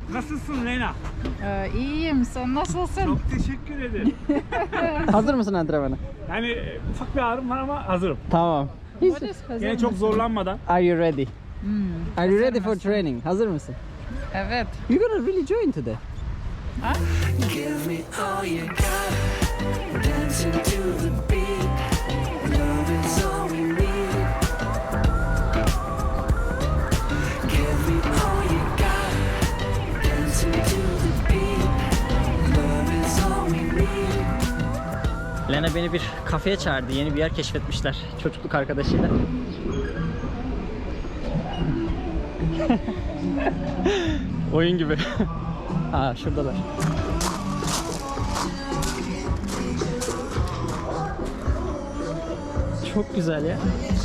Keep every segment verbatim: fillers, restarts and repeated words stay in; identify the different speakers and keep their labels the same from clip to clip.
Speaker 1: Nasılsın Lena?
Speaker 2: Ee, iyiyim. Sen nasılsın?
Speaker 1: Çok teşekkür ederim.
Speaker 3: Hazır mısın antrenmana?
Speaker 1: Yani ufak bir ağrım var ama hazırım.
Speaker 3: Tamam.
Speaker 2: What is hazır
Speaker 1: Yine çok
Speaker 2: mısın?
Speaker 1: zorlanmadan.
Speaker 3: Are you ready?
Speaker 2: Hmm,
Speaker 3: Are you
Speaker 2: hazır
Speaker 3: ready for
Speaker 2: mısın?
Speaker 3: training? Hazır mısın?
Speaker 2: Evet.
Speaker 3: You're gonna really join today.
Speaker 2: Ha?
Speaker 4: Give me all you got, dancing to the beat. Love is all we need. Give me all you got, dancing to the beat. Love is all we need.
Speaker 3: Lena beni bir kafeye çağırdı. Yeni bir yer keşfetmişler. Çocukluk arkadaşıyla. Oyun gibi. Aa şuradalar. Çok güzel ya.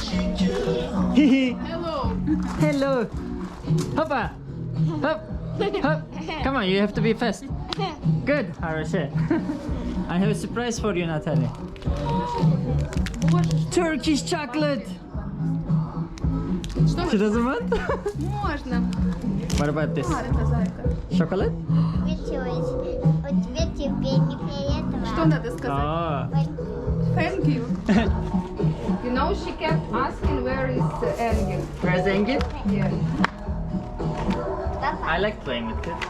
Speaker 2: Hello.
Speaker 3: Hello. Hoppa. Hop. Hop. Come on, you have to be fast. Good. Хорошо. I have a surprise for you, Natalie. Turkish chocolate. She doesn't want?
Speaker 2: Можно.
Speaker 3: What about this?
Speaker 2: Зайка, зайка.
Speaker 3: Chocolate?
Speaker 5: Началось. У тебя теперь не приятно.
Speaker 2: Что надо сказать?
Speaker 3: Oh.
Speaker 2: Thank you. You know, she kept asking where is uh, Engin.
Speaker 3: Where's Engin?
Speaker 2: Yeah.
Speaker 3: I like playing with kids.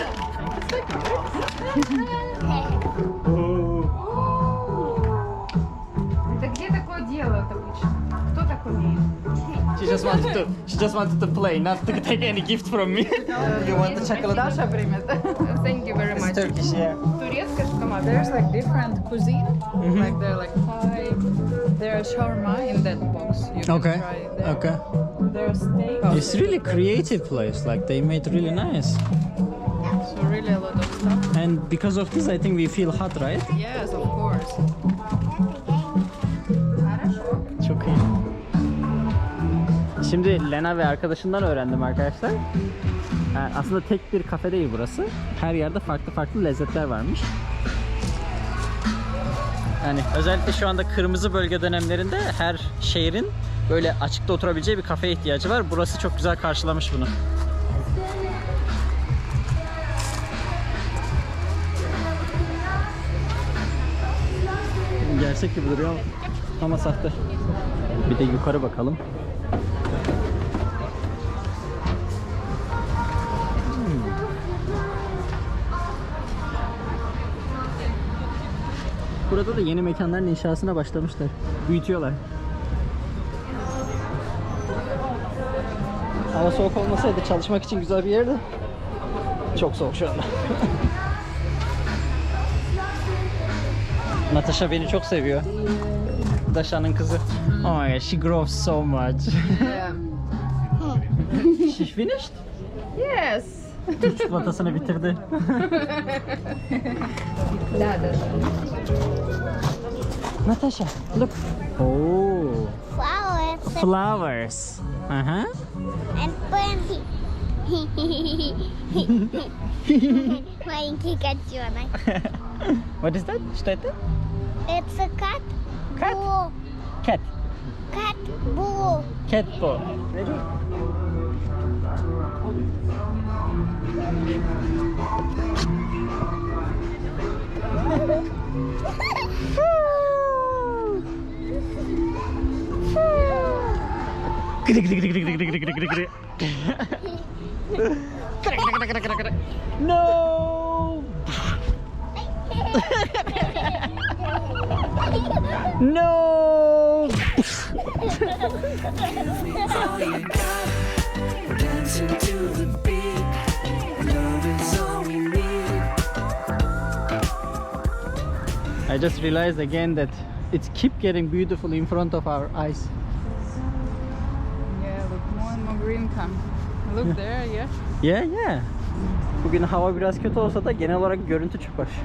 Speaker 2: Это где такое делают обычно? Кто так умеет?
Speaker 3: She just wanted to. She just wanted to play, not to take any gift from me. You want the chocolate?
Speaker 2: Даша примет. Thank you very
Speaker 3: It's
Speaker 2: much.
Speaker 3: Turkish, yeah.
Speaker 2: Турецкая шоколад. There's like different cuisine. Like they're like Thai. There's shawarma in that box. You can
Speaker 3: Okay.
Speaker 2: try there.
Speaker 3: Okay.
Speaker 2: There's steak.
Speaker 3: It's really creative place. Like they made really nice.
Speaker 2: So really a lot of stuff.
Speaker 3: And because of this, I think we feel hot, right?
Speaker 2: Yes, of course.
Speaker 3: Çok iyi. Şimdi Lena ve arkadaşından öğrendim arkadaşlar. Yani aslında tek bir kafe değil burası. Her yerde farklı farklı lezzetler varmış. Yani özellikle şu anda kırmızı bölge dönemlerinde her şehrin böyle açıkta oturabileceği bir kafeye ihtiyacı var. Burası çok güzel karşılamış bunu. Gerçek gibi duruyor ama sahte. Bir de yukarı bakalım. Hmm. Burada da yeni mekanların inşasına başlamışlar. Büyütüyorlar. Hava soğuk olmasaydı çalışmak için güzel bir yerdi. Çok soğuk şu anda. Natasha beni çok seviyor. Dasha'nın kızı. Oh my god, she grows so much.
Speaker 2: Yeah.
Speaker 3: She finished?
Speaker 2: Yes.
Speaker 3: Çikolatasını bitirdi.
Speaker 2: Да, да.
Speaker 3: Natasha, look. Oh,
Speaker 5: Flowers
Speaker 3: flowers. Uh-huh.
Speaker 5: and bunny. Маленький котенок.
Speaker 3: What is that? Что это?
Speaker 5: It's a cat.
Speaker 3: Cat?
Speaker 5: Blue.
Speaker 3: Cat.
Speaker 5: Cat blue.
Speaker 3: Cat ball. Ready? No! No!
Speaker 4: All you got, dancing to the beat. Love is all we need.
Speaker 3: I just realized again that it keep getting beautiful in front of our eyes.
Speaker 2: Yeah, look, more and more green come. Look there, yeah.
Speaker 3: Yeah, yeah. Bugün hava biraz kötü olsa da genel olarak görüntü çok hoş.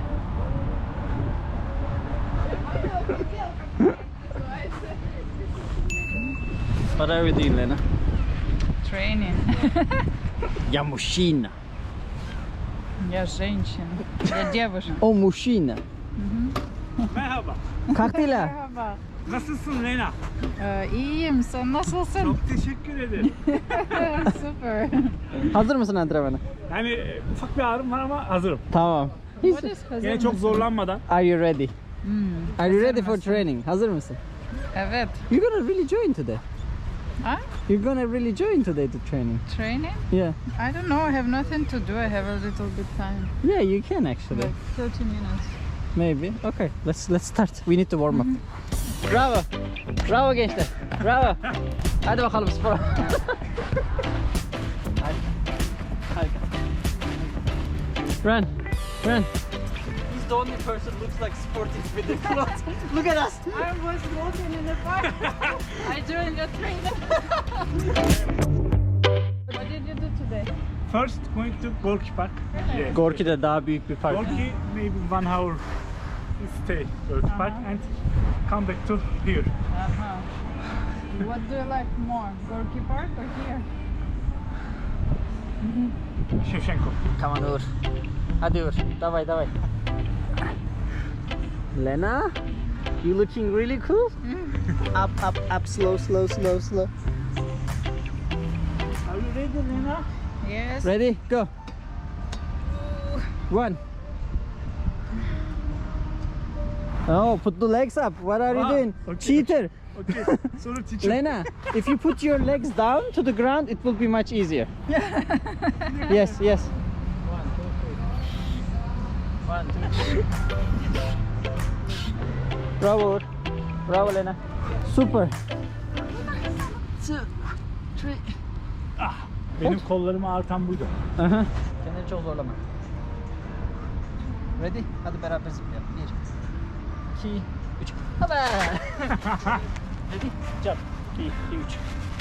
Speaker 3: What are we doing, Lena?
Speaker 2: Training.
Speaker 3: Я мужчина.
Speaker 2: Я женщина. Я девушка.
Speaker 3: O мужчина.
Speaker 1: Merhaba.
Speaker 3: Как дела?
Speaker 2: Merhaba.
Speaker 1: Nasılsın Lena?
Speaker 2: Ee, iyiyim. Sen nasılsın?
Speaker 1: Çok teşekkür ederim.
Speaker 2: Super.
Speaker 3: Hazır mısın antrenmana?
Speaker 1: Yani e, ufak bir ağrım var ama hazırım.
Speaker 3: Tamam.
Speaker 2: What is
Speaker 1: Yine çok zorlanmadan.
Speaker 3: Are you ready?
Speaker 2: Hmm.
Speaker 3: Are you ready for training? Hazır mısın?
Speaker 2: Evet.
Speaker 3: You're gonna really join today.
Speaker 2: Huh?
Speaker 3: You're gonna really join today to training.
Speaker 2: Training?
Speaker 3: Yeah.
Speaker 2: I don't know. I have nothing to do. I have a little bit time.
Speaker 3: Yeah, you can actually.
Speaker 2: Like thirty minutes.
Speaker 3: Maybe. Okay, let's let's start. We need to warm up. Bravo. Bravo gençler. Bravo. Hadi bakalım spora. Hadi. Hadi. Run. Run. He's the only person looks like sportive with the clothes. Look at us.
Speaker 2: I was walking in the park. I joined your training. What did you do today?
Speaker 1: First going to Gorki Park. Yeah.
Speaker 3: Gorki'de daha büyük bir park.
Speaker 1: Gorki maybe one hour stay Gorki Park and come back to here.
Speaker 2: Uh-huh. What do you like more, Gorky Park or here?
Speaker 1: Shevchenko.
Speaker 3: Come on Uğur. Hadi Uğur. Davay davay. Lena, you looking really cool. Up up up slow slow slow slow.
Speaker 1: Are you ready Lena?
Speaker 2: Yes.
Speaker 3: Ready? Go. One. Oh, put the legs up. What are you
Speaker 1: Ah,
Speaker 3: doing?
Speaker 1: okay,
Speaker 3: Cheater.
Speaker 1: Okay. Sorry teacher.
Speaker 3: Lena, if you put your legs down to the ground, it will be much easier. Yes, yes. One, two, three. One, two, three. Bravo. Uğur. Bravo Lena. Super. Two, three.
Speaker 1: Benim kollarımı ağrıtan buydu.
Speaker 3: Aha. Kendini çok zorlama. Ready? Hadi beraber zıplayalım. Bir, iki, üç. Hadi. Ready? Jump. İki, iki, üç.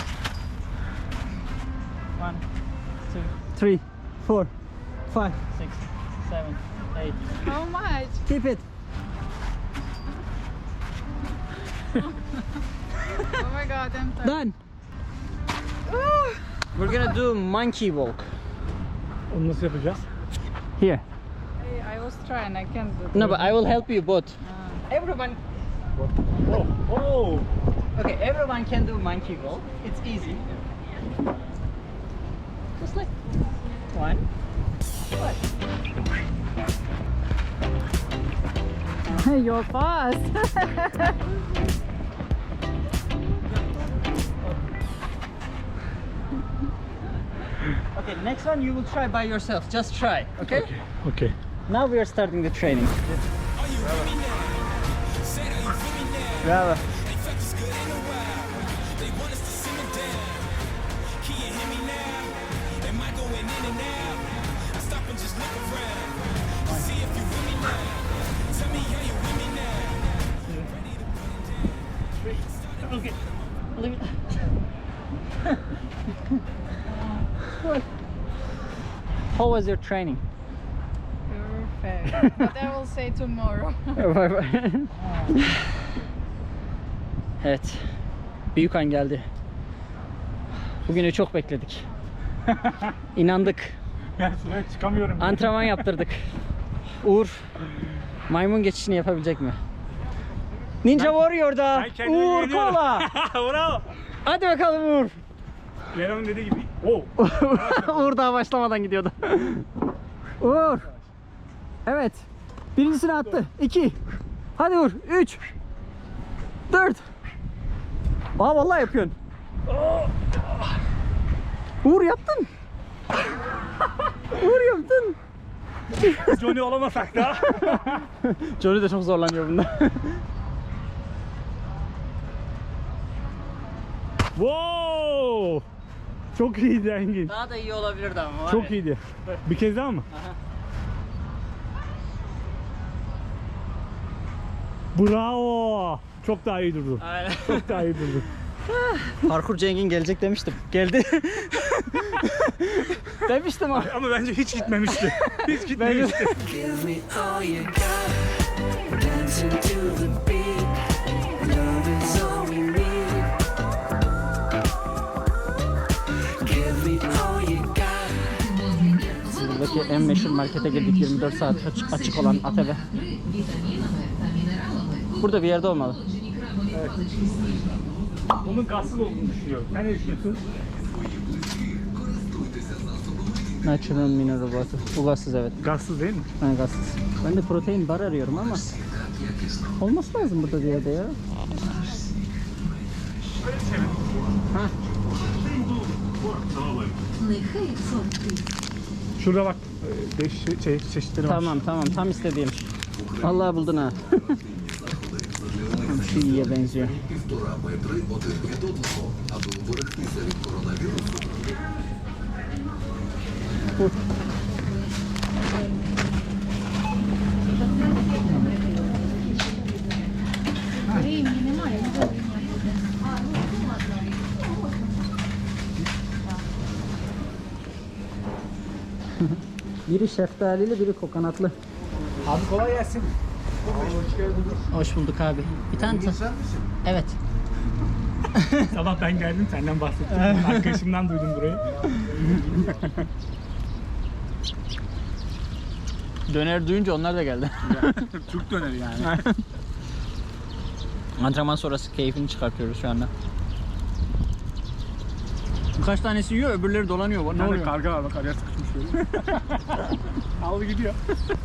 Speaker 3: One, two, three, four, five, six, seven, eight.
Speaker 2: How much?
Speaker 3: Keep it.
Speaker 2: Oh my god, I'm tired.
Speaker 3: Done. We're gonna do monkey walk.
Speaker 1: Onu nasıl yapacağız?
Speaker 3: Here.
Speaker 2: Hey, I was trying, I can't do
Speaker 3: No, but I will help you both.
Speaker 2: Ah.
Speaker 3: Everyone.
Speaker 1: Oh, oh.
Speaker 3: Okay, everyone can do monkey walk. It's easy. Just like one. What?
Speaker 2: You're fast.
Speaker 3: Okay, the next one you will try by yourself. Just try, okay?
Speaker 1: Okay.
Speaker 3: Now we are starting the training. Bravo.
Speaker 1: Okay.
Speaker 3: How was your training?
Speaker 2: Perfect. But I will say tomorrow.
Speaker 3: Bye bye. Evet. Büyük an geldi. Bugünü çok bekledik. İnandık.
Speaker 1: Ben şuraya çıkamıyorum.
Speaker 3: Antrenman yaptırdık. Uğur maymun geçişini yapabilecek mi? Ninja Warrior'da
Speaker 1: Ben kendime
Speaker 3: Uğur
Speaker 1: güveniyorum.
Speaker 3: Kola.
Speaker 1: Bravo.
Speaker 3: Hadi bakalım Uğur.
Speaker 1: Lena'nın dediği gibi. Oh.
Speaker 3: Uğur daha başlamadan gidiyordu. Uğur. Evet. Birincisini attı. İki. Hadi Uğur. Üç. Dört. Aa vallahi yapıyorsun. Uğur yaptın. Uğur yaptın.
Speaker 1: Johnny olamasak da.
Speaker 3: Johnny de çok zorlanıyor bunda.
Speaker 1: Wow. Çok iyiydi Engin.
Speaker 3: Daha da iyi olabilirdi ama.
Speaker 1: Çok iyiydi. Bir kez daha mı?
Speaker 3: Aha.
Speaker 1: Bravo. Çok daha iyi durdu.
Speaker 3: Aynen.
Speaker 1: Çok daha iyi durdu.
Speaker 3: Parkurcu Engin gelecek demiştim. Geldi. Demiştim ama.
Speaker 1: Ama bence hiç gitmemişti. Hiç gitmemişti.
Speaker 4: Give me all you got. Dancing to the beat. Love is all we need. Give me all you got.
Speaker 3: Buradaki en meşhur markete girdik, yirmi dört saat açık, açık olan A T V. Burada bir yerde olmalı.
Speaker 1: Evet. Bunun gazsız olduğunu düşünüyorum. Sen ne düşünüyorsun?
Speaker 3: Natural mineral water. Bu gazsız evet.
Speaker 1: Gazsız değil mi?
Speaker 3: Ha, gazsız. Ben de protein bar arıyorum ama olması lazım burada diye de ya.
Speaker 1: Öyle bir şey mi?
Speaker 3: Ha.
Speaker 1: Şurada bak. Beş şey, çeşitleri var.
Speaker 3: Tamam tamam tam istediğim. Vallahi buldun ha. Şu iyiye benziyor. Uh. Biri şeftalili, biri kokonatlı.
Speaker 1: Abi kolay gelsin.
Speaker 3: Hoş bulduk abi. Bir tane ta- Evet.
Speaker 1: Sabah ben geldim senden bahsettim. Arkadaşımdan duydum burayı.
Speaker 3: Döner duyunca onlar da geldi.
Speaker 1: Türk döneri yani.
Speaker 3: Antrenman sonrası keyfini çıkartıyoruz şu anda. Birkaç tanesi yiyor, öbürleri dolanıyor. Ne
Speaker 1: Ne
Speaker 3: oluyor?
Speaker 1: Karga var bak araya sıkışmış böyle. Aldı gidiyor.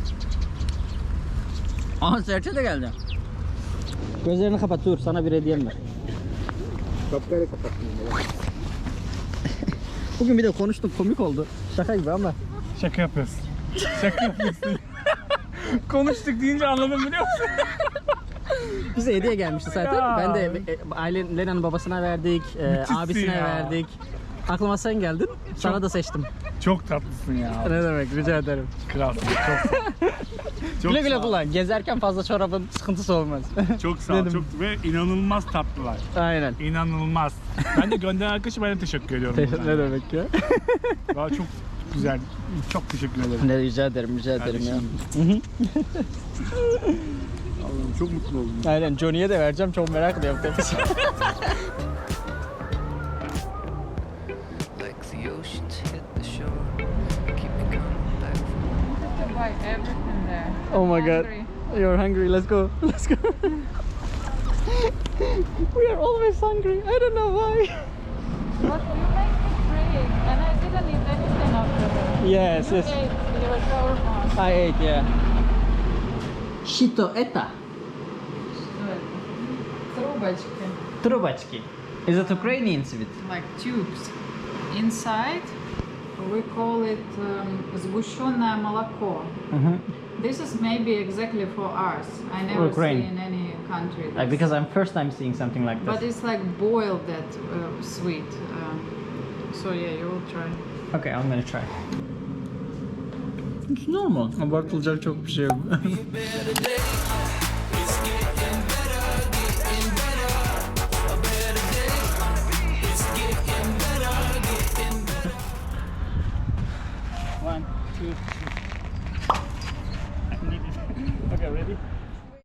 Speaker 3: Aha serçe de geldi. Gözlerini kapat dur, sana bir hediyem var.
Speaker 1: Kapkayla kapattım.
Speaker 3: Bugün bir de konuştuk, komik oldu. Şaka gibi ama.
Speaker 1: Şaka yapıyorsun. Şaka yapıyorsun. Konuştuk deyince anladım biliyor musun?
Speaker 3: Bize hediye gelmişti zaten.
Speaker 1: Ya.
Speaker 3: Ben de e, aile Lena'nın babasına verdik, e,
Speaker 1: Müthişsin
Speaker 3: abisine
Speaker 1: ya.
Speaker 3: verdik. Aklıma sen geldin, sana da seçtim.
Speaker 1: Çok tatlısın ya.
Speaker 3: Ne demek, rica ederim.
Speaker 1: Kralsın. Çok, çok
Speaker 3: Güle güle
Speaker 1: sağ ol.
Speaker 3: kullan. Gezerken fazla çorabın sıkıntısı olmaz.
Speaker 1: Çok sağ ol.
Speaker 3: Dedim.
Speaker 1: Çok, ve inanılmaz tatlılar.
Speaker 3: Aynen.
Speaker 1: İnanılmaz. Ben de gönderen arkadaşım ben de teşekkür ediyorum. buradan.
Speaker 3: ne demek ya?
Speaker 1: Valla çok güzel. Çok teşekkür ederim.
Speaker 3: Ne rica ederim, rica ederim ya.
Speaker 1: Allah'ım çok mutlu oldum.
Speaker 3: Aynen, Johnny'ye de vereceğim, çok merak ediyorum.
Speaker 4: like the oceans hit the shore. Keep me coming back for
Speaker 2: To buy everything there.
Speaker 3: Oh my god.
Speaker 2: Hungry.
Speaker 3: You're hungry, let's go. Let's go. We are always hungry. I don't know why.
Speaker 2: But you make me brave, and I didn't eat anything after that.
Speaker 3: Yes,
Speaker 2: You
Speaker 3: yes.
Speaker 2: ate your shawarma.
Speaker 3: I ate, yeah. Shito eta.
Speaker 2: Что это? Трубочки,
Speaker 3: Трубочки. Is it Ukrainian sweet?
Speaker 2: like tubes. Inside, we call it um, сгущенное молоко.
Speaker 3: Mm-hmm.
Speaker 2: This is maybe exactly for us. I never
Speaker 3: Ukraine.
Speaker 2: see in any country.
Speaker 3: Like,
Speaker 2: this.
Speaker 3: because I'm first time seeing something like
Speaker 2: But
Speaker 3: this.
Speaker 2: it's like boiled that uh, sweet. Um, so yeah, you will try.
Speaker 3: Okay, I'm gonna try. It's normal. Abartılacak çok bir şey yok. One, two, three. Okay, ready?